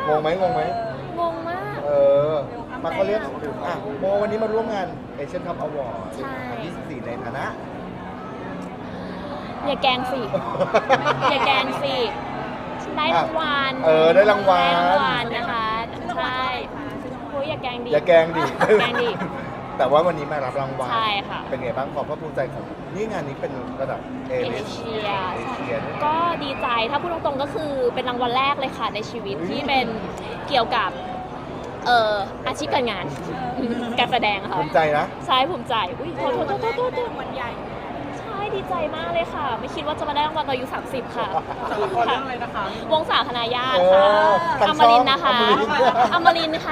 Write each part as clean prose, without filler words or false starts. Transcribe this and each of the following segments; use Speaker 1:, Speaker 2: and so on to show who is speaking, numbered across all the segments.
Speaker 1: งงไหม
Speaker 2: งงมาก
Speaker 1: มาเขาเรียกโมวันนี้มาร่วมงานเอเชียนคัพอวอร์ด
Speaker 2: ใช่
Speaker 1: 24ในฐานะ
Speaker 2: อย่าแกงสิอย่าแกงสิได้รางวัล
Speaker 1: ได้รางวัล
Speaker 2: นะคะใช่โอ้ยอย่าแกงดิ
Speaker 1: อย่าแกงดิ
Speaker 2: แกงดิ
Speaker 1: แต่ว่าวันนี้มารับรางวัล
Speaker 2: ใช่ค่ะ
Speaker 1: เป็นไงบ้างความภาคภูมิใจของนี่งานนี้เป็นระดับเอ
Speaker 2: เอเชีย
Speaker 1: ด้วย
Speaker 2: ก็ดีใจถ้าพูดตรงๆก็คือเป็นรางวัลแรกเลยค่ะในชีวิตที่เป็นเกี่ยวกับอาชีพการงานการแสดงค่ะ
Speaker 1: ภูมิใจนะ
Speaker 2: ใช่ภูมิใจอุ้ยโทษวันใหญ่ใช่ดีใจมากเลยค่ะ ไม่คิดว่าจะมาได้รางวัลตอนอายุ30ค่ะ
Speaker 3: ละครเรื่องอะไรนะคะ
Speaker 2: วงศาคณะญาติค่ะอมรินทร์นะคะอมรินทร์ค่ะ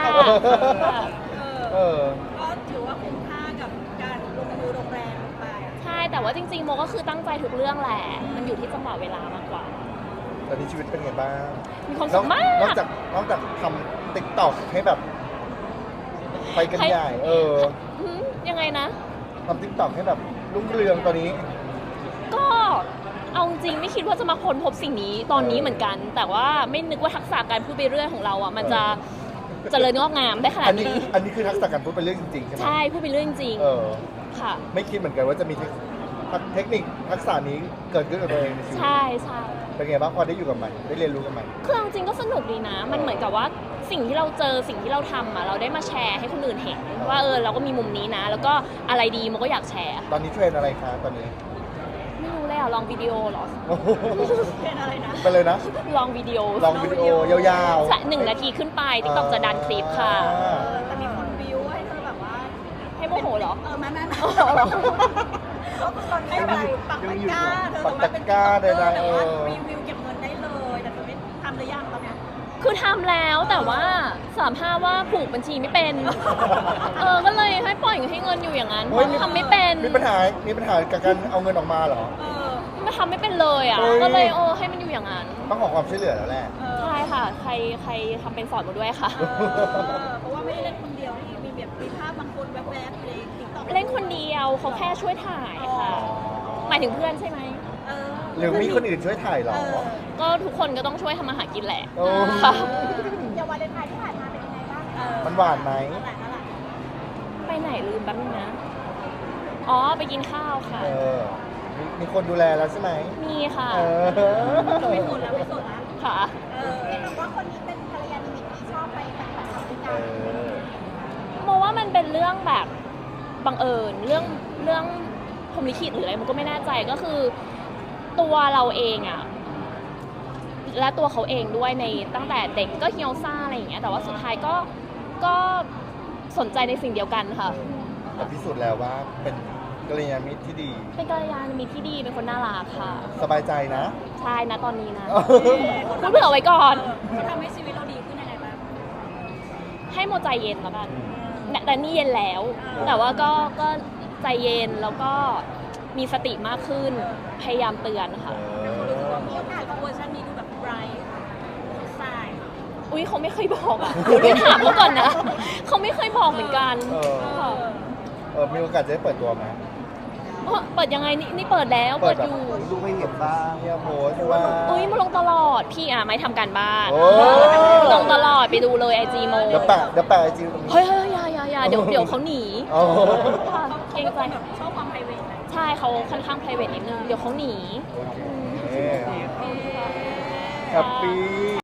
Speaker 4: ก็ถือว่าคุ้มค่ากับการลงมือลงแรงไป
Speaker 2: ใช่แต่ว่าจริงๆโมก็คือตั้งใจทุกเรื่องแหละมันอยู่ที่จังหวะเวลามากกว่า
Speaker 1: ตอนนี้ชีวิตเป็นไงบ้าง
Speaker 2: มีความสุขมาก
Speaker 1: นอกจากทำติ๊กต็อกให้แบบไปกันใหญ่
Speaker 2: ยังไงนะ
Speaker 1: ทำติ๊กต็อกให้แบบรุ่งเรืองตอนนี้
Speaker 2: ก็เอาจริงไม่คิดว่าจะมาค้นพบสิ่งนี้ตอนนี้เหมือนกัน แต่ว่าไม่นึกว่าทักษะการพูดไปเรื่อยของเราอ่ะมันจะเจริญงอกงามได้ขนาดนี้
Speaker 1: อันนี้คือทักษะการพูดเป็นเรื่องจริงๆใช่ไหม
Speaker 2: ใช่พูดไปเรื่อยจริงๆค่ะ
Speaker 1: ไม่คิดเหมือนกันว่าจะมีเทคนิคทักษะนี้เกิดขึ้นกับตัวเองในชีวิต
Speaker 2: ใช่ใช่
Speaker 1: เป็นไงบ้างพอได้อยู่กับมันได้เรียนรู้กับมัน
Speaker 2: คือเอาจริงก็สนุกดีนะ มันเหมือนกับว่าสิ่งที่เราเจอสิ่งที่เราทำอ่ะเราได้มาแชร์ให้คนอื่นเห็นว่าเราก็มีมุมนี้นะ แล้วก็อะไรดีมันก็อยากแชร์
Speaker 1: ตอนนี้เทรนอะไรคะตอนนี้
Speaker 2: ไม่รู้เลยอ่ะลองวิดีโอเหรอ
Speaker 4: เป็นอะไรนะ
Speaker 1: เป็นเลยนะ
Speaker 2: ลองวิดีโอ
Speaker 1: ลองวิดีโอยาว
Speaker 2: ใช่1 นาทีขึ้นไปติ๊กต็อกจะดันคลิปค่ะ
Speaker 4: แต่มีคนวิวให้เธอแบบว่า
Speaker 2: ให้โมโหเหรอ
Speaker 4: ไม่
Speaker 2: เหรอ
Speaker 4: ก็คือตอนนี้อะไรปักตะกร้าเธอ
Speaker 1: ปักตะกร้าได้
Speaker 4: แต่
Speaker 1: ๆ
Speaker 4: ว่ารีวิวเก็บเงินได้เลยแต่เธอไม่ทำหรือยังตอนเนี้ย
Speaker 2: คือทำแล้วแต่ว่าสารภาพว่าผูกบัญชีไม่เป็น ก็เลยให้ปล่อยให้เงินอยู่อย่างนั้นเพราะทำไม่เป็น
Speaker 1: มีปัญหากับการเอาเงินออกมาเหรอ
Speaker 2: มันทำไม่เป็นเลยอ่ะ ก็เลยให้มันอยู่อย่างนั้น
Speaker 1: ต้องขอความช่วยเหลือแล้วแหละ
Speaker 2: ใช่ค่ะ ใครทำเป็นสอนมาด้วยค่ะ
Speaker 4: เพราะว่าไม่ได้เล่นคนเดียวนี่มีแบบมีภาพบางคนแวบๆในติ๊กต็อก
Speaker 2: เล่นคนเดียวเขาแค่ช่วยถ่ายค่ะ หมายถึงเพื่อนใช่ไหม
Speaker 1: หรือมีคนอื่นช่วยถ่ายเหรอ
Speaker 2: ก็ทุกคนก็ต้องช่วยทำมาหากินแหละ
Speaker 1: โอ้
Speaker 2: ค่ะ
Speaker 4: อย่าวาเลนไทน์ที่ผ่านมาเป็นยังไงบ้าง
Speaker 1: มันหวานไหม
Speaker 4: นั่นแหละ
Speaker 2: ไปไหนลืมแป๊บนึงนะ อ๋อไปกินข้าวค่ะ
Speaker 1: มีคนดูแลแล้วใช่ไหม
Speaker 2: มีค่ะ
Speaker 4: ไม่สนแล้วไม่สนแล้ว
Speaker 2: ค่ะ
Speaker 4: แต่ว่าคนนี้เป็นภรรยานิมิตที่ชอบไปปฏิบัติธรรมด้วยกัน
Speaker 2: โมว่ามันเป็นเรื่องแบบบังเอิญเรื่องพรหมลิขิตหรืออะไรมันก็ไม่แน่ใจก็คือตัวเราเองอะและตัวเขาเองด้วยในตั้งแต่เด็กก็เฮียวซ่าอะไรอย่างเงี้ยแต่ว่าสุดท้ายก็สนใจในสิ่งเดียวกันค่ะ
Speaker 1: แต่พิสูจน์แล้วว่าเป็นกัลยาณมิตรที่ดี
Speaker 2: เป็นกัลยาณมิตรที่ดีเป็นคนน่ารักค่ะ
Speaker 1: สบายใจนะ
Speaker 2: ใช่นะตอนนี้นะพูดเผื่อไว้ก่อน
Speaker 4: เขาทำให้ชีวิตเราดีขึ้นยังไงบ้าง
Speaker 2: ให้โมใจเย็นแล้วกันแต่นี่เย็นแล้ว แต่ว่าก็ใจเย็นแล้วก็มีสติมากขึ้นพยายามเตือนค่ะ
Speaker 4: มีโอกาสเวอร์ชันนี้ดูแบบไบรท์สาย
Speaker 2: อุ้ยเขาไม่เคยบอกอ่ะเดี๋ยวถามเขาก่อนนะเขาไม่เคยบอกเหมือนกันค่ะ
Speaker 1: มีโอกาสจะได้เปิดตัวไหม
Speaker 2: เปิดยังไงนี่เปิดแล้วเปิดอยู่
Speaker 1: ดูไม่เห็นบ้างเนี่ยโพสต์ว่า
Speaker 2: อุ้ยมาลงตลอดพี่ไม่ทำการบ้าน
Speaker 1: โอ้
Speaker 2: ลงตลอดไปดูเลยไอจีโม
Speaker 1: เดี๋ยวแปะไอจีตรงนี้
Speaker 2: เฮ้ยอย่าเดี๋ยวเขาหนี
Speaker 1: อ๋อ
Speaker 2: ค่ะเกรงใจ
Speaker 4: ชอบความไพรเวทไหม
Speaker 2: ใช่เขาค่อนข้าง private นิดนึงเดี๋ยวเขาหนี
Speaker 1: โอเคแฮปปี้